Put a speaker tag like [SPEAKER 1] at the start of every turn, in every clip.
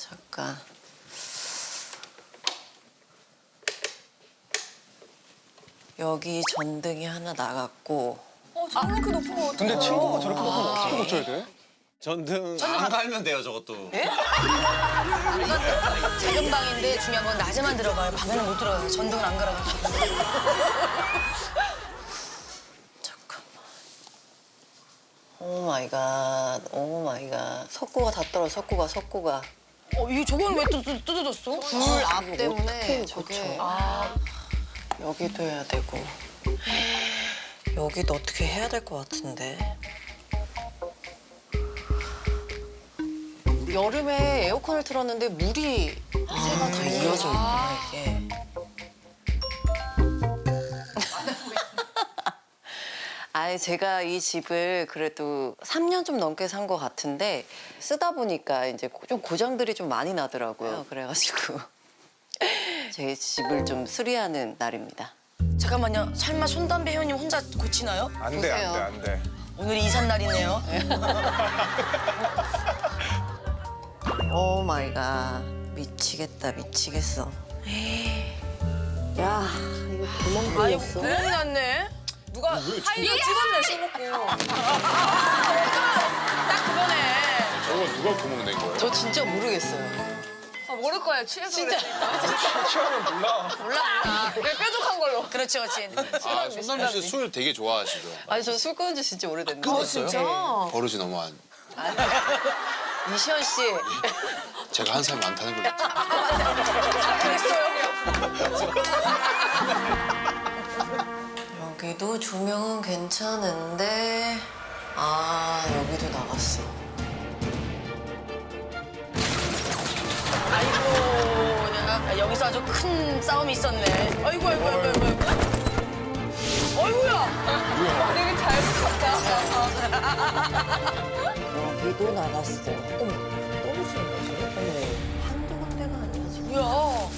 [SPEAKER 1] 잠깐. 여기 전등이 하나 나갔고.
[SPEAKER 2] 저렇게 높은 거 어떡해.
[SPEAKER 3] 근데 친구가 저렇게 높으면 어떻게 고쳐야 돼?
[SPEAKER 4] 전등 안 갈면 돼요, 저것도.
[SPEAKER 2] 작은 방인데 중요한 건 낮에만 들어가요. 밤에는 못 들어가요. 전등을 안 갈아가지고.
[SPEAKER 1] 잠깐만. 오 마이 갓. 오 마이 갓. 석고가 다 떨어져. 석고가.
[SPEAKER 2] 이거 저건 왜 또 뜯어졌어?
[SPEAKER 1] 불 앞 때문에
[SPEAKER 2] 어떡해,
[SPEAKER 1] 저게. 여기도 해야 되고. 여기도 어떻게 해야 될 것 같은데. 여름에 에어컨을 틀었는데 물이 새가 다 이어져 있구나 이게. 아니 제가 이 집을 그래도 3년 좀 넘게 산 것 같은데 쓰다 보니까 이제 좀 고장들이 좀 많이 나더라고요. 그래가지고 제 집을 좀 수리하는 날입니다.
[SPEAKER 2] 잠깐만요. 설마 손담배 회원님 혼자 고치나요?
[SPEAKER 3] 안 돼,
[SPEAKER 1] 보세요.
[SPEAKER 3] 안 돼, 안 돼.
[SPEAKER 2] 오늘이 이삿날이네요.
[SPEAKER 1] 오 마이 갓. 미치겠다 미치겠어. 야 이거 구멍 뚫렸어.
[SPEAKER 2] 구멍이 났네. 누가 하이로 찍었네, 술 먹고. 딱 그거네.
[SPEAKER 3] 저거 누가 구멍 낸 거예요?
[SPEAKER 1] 저 진짜 모르겠어요.
[SPEAKER 2] 모를 거예요. 취해서 진짜.
[SPEAKER 3] 취하면 몰라.
[SPEAKER 2] 몰라. 그래, 뾰족한 걸로. 그렇지, 그렇지.
[SPEAKER 4] 아, 손남주 씨 술 되게 좋아하시죠?
[SPEAKER 1] 아니 저 술 끊은 지 진짜 오래됐는데.
[SPEAKER 4] 끊었어요? 버릇이 너무 안.
[SPEAKER 1] 이시연 씨.
[SPEAKER 4] 제가 한 살 많다는 걸 느끼죠.
[SPEAKER 1] 여기도 조명은 괜찮은데 여기도 나갔어.
[SPEAKER 2] 아이고, 여기서 아주 큰 싸움이 있었네. 아이고. 어이구야. 되게 잘 붙였다.
[SPEAKER 1] 여기도 나갔어. 어머 떨어지는 거지? 어머 한두 군데가 아니야 지금.
[SPEAKER 2] 뭐야.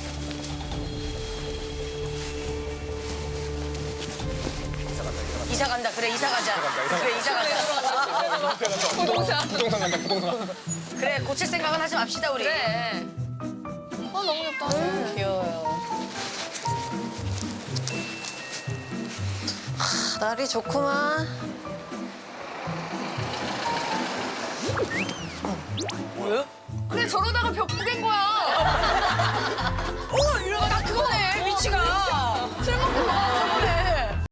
[SPEAKER 2] 이사 간다. 그래, 이사 가자. 그래, 이사 가자.
[SPEAKER 3] 부동산 간다, 부동산.
[SPEAKER 2] 그래, 고칠 생각은 하지 맙시다, 우리. 그래. 너무 귀엽다.
[SPEAKER 1] 귀여워요. 날이 좋구만.
[SPEAKER 2] 뭐야? 그래, 저러다가 벽 부갠 거야. 이러다가 딱 그거네, 위치가. 술 먹고